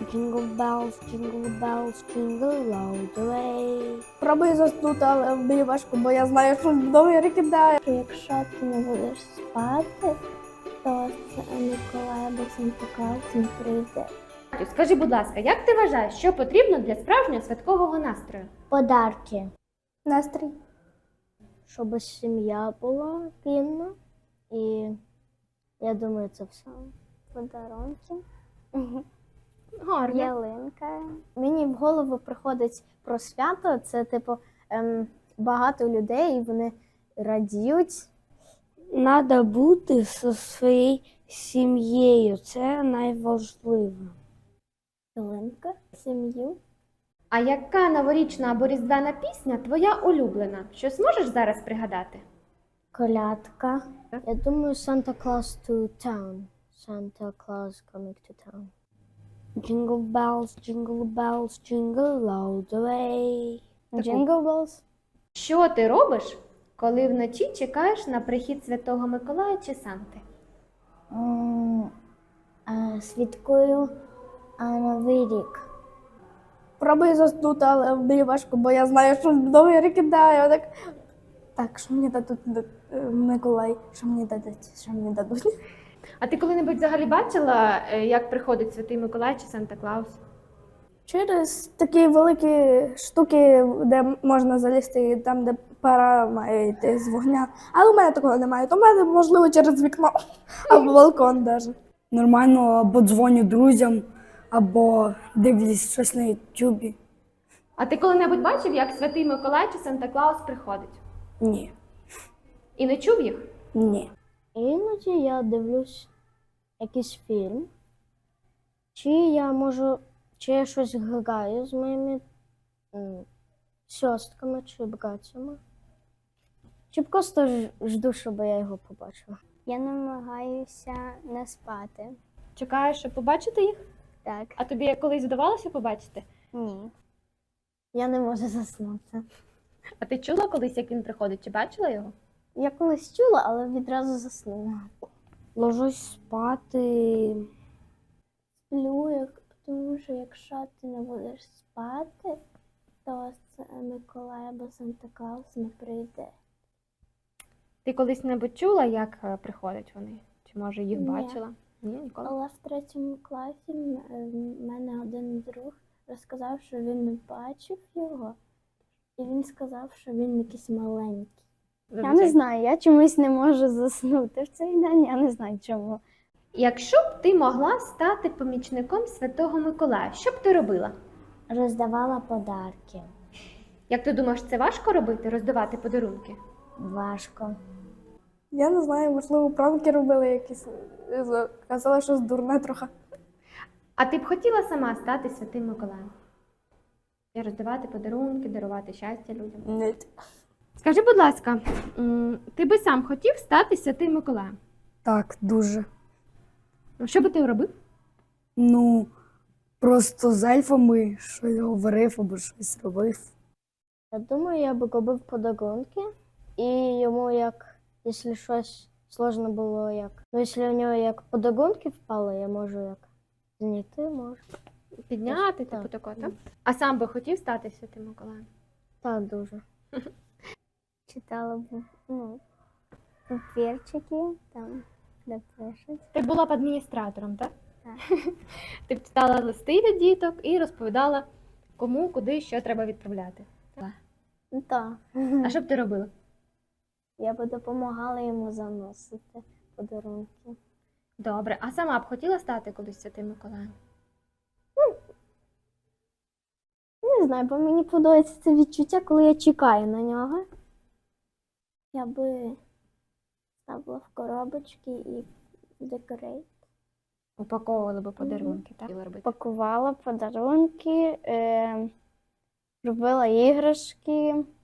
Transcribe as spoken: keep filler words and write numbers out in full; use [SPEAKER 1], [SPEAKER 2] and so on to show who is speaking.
[SPEAKER 1] Jingle bells, jingle bells, jingle all the way.
[SPEAKER 2] Пробую заснути, але мені важко, бо я знаю, що вдома рикидає.
[SPEAKER 1] Якщо ти не будеш спати, то це Миколай або Санта Клаус не прийде.
[SPEAKER 3] Скажи, будь ласка, як ти вважаєш, що потрібно для справжнього святкового настрою?
[SPEAKER 1] Подарки.
[SPEAKER 2] Настрій.
[SPEAKER 1] Щоб сім'я була кінна. І я думаю, це все. Подарунки.
[SPEAKER 3] Гарно.
[SPEAKER 1] Ялинка. Мені в голову приходить про свято. Це, типу, ем, багато людей, і вони радіють. Треба бути зі своєю сім'єю. Це найважливіше. Ялинка, сім'ю.
[SPEAKER 3] А яка новорічна або різдвяна пісня твоя улюблена? Щось можеш зараз пригадати?
[SPEAKER 1] Колядка. Я думаю, Santa Claus to town. Santa Claus coming to town. Jingle bells, jingle bells, jingle all the way. Jingle bells.
[SPEAKER 3] Що ти робиш, коли вночі чекаєш на прихід Святого Миколая чи Санти?
[SPEAKER 1] М, е, Святкую а, Новий рік.
[SPEAKER 2] Пробую заснути, але мені важко, бо я знаю, що вдома рикидає. Так, так, що мені дадуть е, Миколай, що мені дадуть, що мені дадуть.
[SPEAKER 3] А ти коли-небудь взагалі бачила, е, як приходить Святий Миколай чи Санта Клаус?
[SPEAKER 2] Через такі великі штуки, де можна залізти, і там, де пара має йти з вогня. Але у мене такого немає. То в мене, можливо, через вікно або балкон навіть.
[SPEAKER 4] Нормально або дзвоню друзям, або дивлюсь щось на ютубі.
[SPEAKER 3] А ти коли-небудь бачив, як Святий Миколай чи Санта Клаус приходить?
[SPEAKER 4] Ні,
[SPEAKER 3] І не чув їх?
[SPEAKER 4] ні.
[SPEAKER 1] Іноді я дивлюсь якийсь фільм, чи я можу, чи я щось граю з моїми м, сестрами чи братцями, чи просто ж- жду, щоб я його побачила. Я намагаюся не спати.
[SPEAKER 3] Чекаєш, щоб побачити їх?
[SPEAKER 1] Так.
[SPEAKER 3] А тобі колись вдавалося побачити?
[SPEAKER 1] Ні. Я не можу заснути.
[SPEAKER 3] А ти чула колись, як він приходить? Чи бачила його?
[SPEAKER 1] Я колись чула, але відразу заснула. Ложусь спати. Сплю, як, тому що якщо ти не будеш спати, то це Миколай або Санта Клаус не прийде.
[SPEAKER 3] Ти колись-небудь чула, як е, приходять вони? Чи може їх
[SPEAKER 1] Ні.
[SPEAKER 3] бачила? Ні, ніколи.
[SPEAKER 1] Але в третьому класі м- е, в мене один друг розказав, що він не бачив його, і він сказав, що він якийсь маленький. Я не
[SPEAKER 3] Зазвичай.
[SPEAKER 1] знаю, я чомусь не можу заснути в цей день, я не знаю чому.
[SPEAKER 3] Якщо б ти могла стати помічником Святого Миколая, що б ти робила?
[SPEAKER 1] Роздавала подарки.
[SPEAKER 3] Як ти думаєш, це важко робити, роздавати подарунки?
[SPEAKER 1] Важко.
[SPEAKER 2] Я не знаю, можливо, пранки робили якісь. е, Казали, що дурне трохи.
[SPEAKER 3] А ти б хотіла сама стати Святим Миколаєм? І роздавати подарунки, дарувати щастя людям?
[SPEAKER 2] Ні.
[SPEAKER 3] Скажи, будь ласка, м, ти би сам хотів стати Святим Миколаєм?
[SPEAKER 4] Так, дуже.
[SPEAKER 3] Що би ти робив?
[SPEAKER 4] Ну, просто з ельфами щось говорив або щось робив.
[SPEAKER 1] Я думаю, я б робив подарунки, і йому як, якщо щось сложно було, як. Ну, якщо у нього як подарунки впали, я можу як зняти, можу.
[SPEAKER 3] Підняти,
[SPEAKER 1] Так.
[SPEAKER 3] типу такого, так? А сам би хотів стати Святим Миколаєм?
[SPEAKER 1] Так, дуже. Читала б, ну, папірчики, там, де пишуть.
[SPEAKER 3] Ти була б адміністратором, так?
[SPEAKER 1] Так.
[SPEAKER 3] Ти б читала листи від діток і розповідала, кому, куди, що треба відправляти.
[SPEAKER 1] Ну, так.
[SPEAKER 3] А що б ти робила?
[SPEAKER 1] Я б допомагала йому заносити подарунки.
[SPEAKER 3] Добре, а сама б хотіла стати колись Святим Миколаєм?
[SPEAKER 1] Не знаю, бо мені подобається це відчуття, коли я чекаю на нього. Я би ставила в коробочки і декорейт.
[SPEAKER 3] Упаковували би подарунки, так? Хотіла робити.
[SPEAKER 1] Пакувала подарунки, е, робила іграшки,